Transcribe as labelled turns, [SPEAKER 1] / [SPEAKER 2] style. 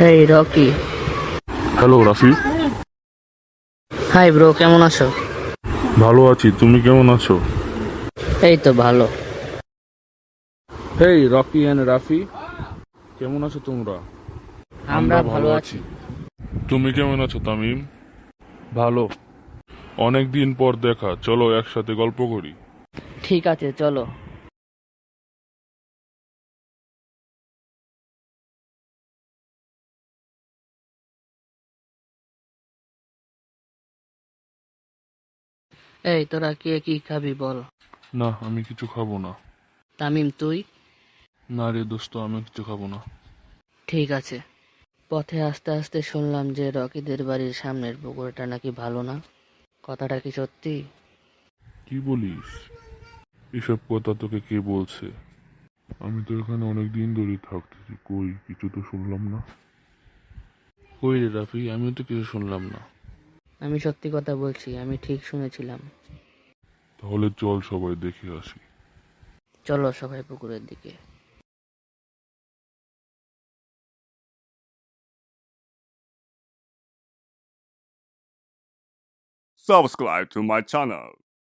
[SPEAKER 1] এই Rocky.
[SPEAKER 2] Hello Rafi.
[SPEAKER 1] Hi bro, কেমন আছো?
[SPEAKER 2] ভালো আছি, তুমি কেমন আছো?
[SPEAKER 1] এই তো ভালো।
[SPEAKER 2] হেই রকি অ্যান্ড রাফি, কেমন আছো তোমরা?
[SPEAKER 1] আমরা ভালো আছি।
[SPEAKER 2] তুমি কেমন আছো তামিম? ভালো। অনেক দিন পর দেখা, চলো একসাথে গল্প করি।
[SPEAKER 1] ঠিক আছে, চলো। এই তোরা কে কি খাবি বল?
[SPEAKER 2] না, আমি কিছু খাবো না।
[SPEAKER 1] তামিম তুই?
[SPEAKER 2] না রে দোস্ত, আমি কিছু খাবো না।
[SPEAKER 1] ঠিক আছে। পথে আস্তে আস্তে শুনলাম যে রকিদের বাড়ির সামনের পুকুরটা নাকি ভালো না। কথাটা কি সত্যি?
[SPEAKER 2] কি বলিস? এসব কথা তোকে কে বলছে? আমি তো এখানে অনেক দিন ধরে থাকতেছি, কই কিছু তো শুনলাম না। কই রে রাফি, আমিও তো কিছু শুনলাম না।
[SPEAKER 1] আমি সত্যি কথা বলছি, আমি ঠিক শুনেছিলাম।
[SPEAKER 2] তাহলে চল সবাই দেখে আসি।
[SPEAKER 1] চলো সবাই পুকুরের দিকে।
[SPEAKER 3] Subscribe to my channel.